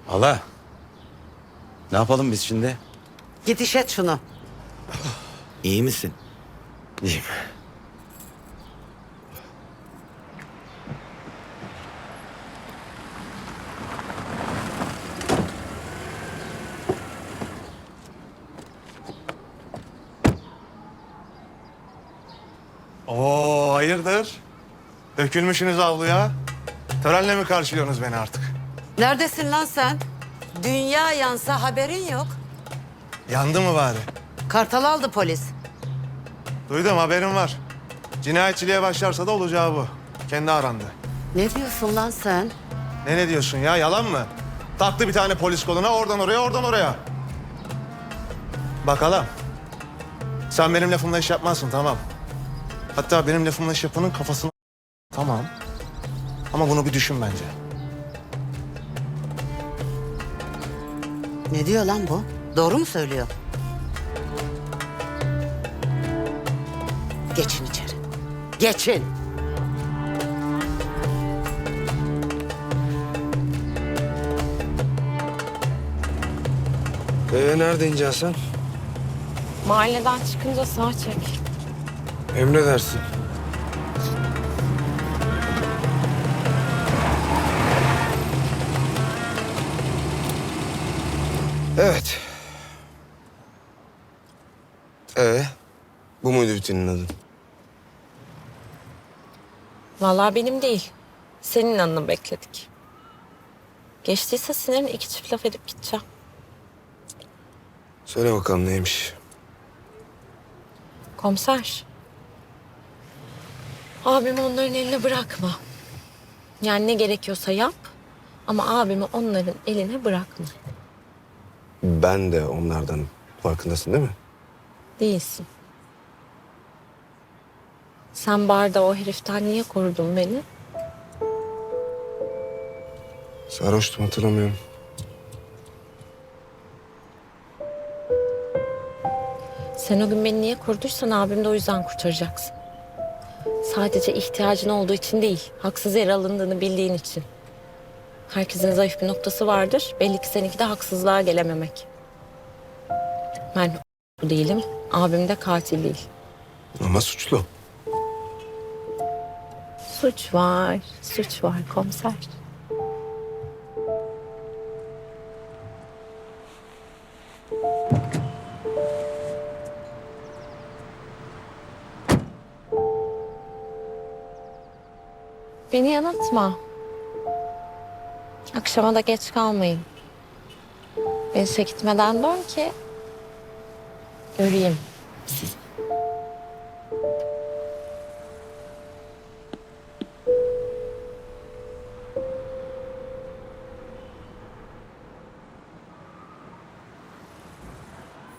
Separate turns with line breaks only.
Hala. Ne yapalım biz şimdi?
Git iş et şunu.
İyi misin? İyiyim.
Oo, hayırdır? Dökülmüşsünüz avluya. Törenle mi karşılıyorsunuz beni artık?
Neredesin lan sen? Dünya yansa haberin yok.
Yandı mı bari?
Kartal aldı polis.
Duydum, haberim var. Cinayetçiliğe başlarsa da olacağı bu. Kendi arandı.
Ne diyorsun lan sen?
Ne diyorsun ya, yalan mı? Taktı bir tane polis koluna, oradan oraya, oradan oraya. Bakalım. Sen benim lafımla iş yapmazsın, tamam. Hatta benim lafımla iş yapanın kafasını... Tamam. Ama bunu bir düşün bence.
Ne diyor lan bu? Doğru mu söylüyor? Geçin içeri. Geçin.
Nerede ineceksin sen?
Mahalleden çıkınca sağ çek.
Emredersin. Evet. Bu muydu bütünün adı?
Vallahi benim değil. Senin anını bekledik. Geçtiyse sinirin iki çift laf edip gideceğim.
Söyle bakalım neymiş?
Komiser. Abimi onların eline bırakma. Yani ne gerekiyorsa yap. Ama abimi onların eline bırakma.
Ben de onlardan, farkındasın değil mi?
Değilsin. Sen barda o heriften niye korudun beni?
Sarhoştum, hatırlamıyorum.
Sen o gün beni niye koruduysan abimi de o yüzden kurtaracaksın. Sadece ihtiyacın olduğu için değil, haksız yere alındığını bildiğin için. Herkesin zayıf bir noktası vardır. Belli ki seninki de haksızlığa gelememek. Ben bu değilim, abim de katil değil.
Ama suçlu.
Suç var komiser. Beni yanıltma. Akşama da geç kalmayın. Ben işe gitmeden dön ki göreyim sizi.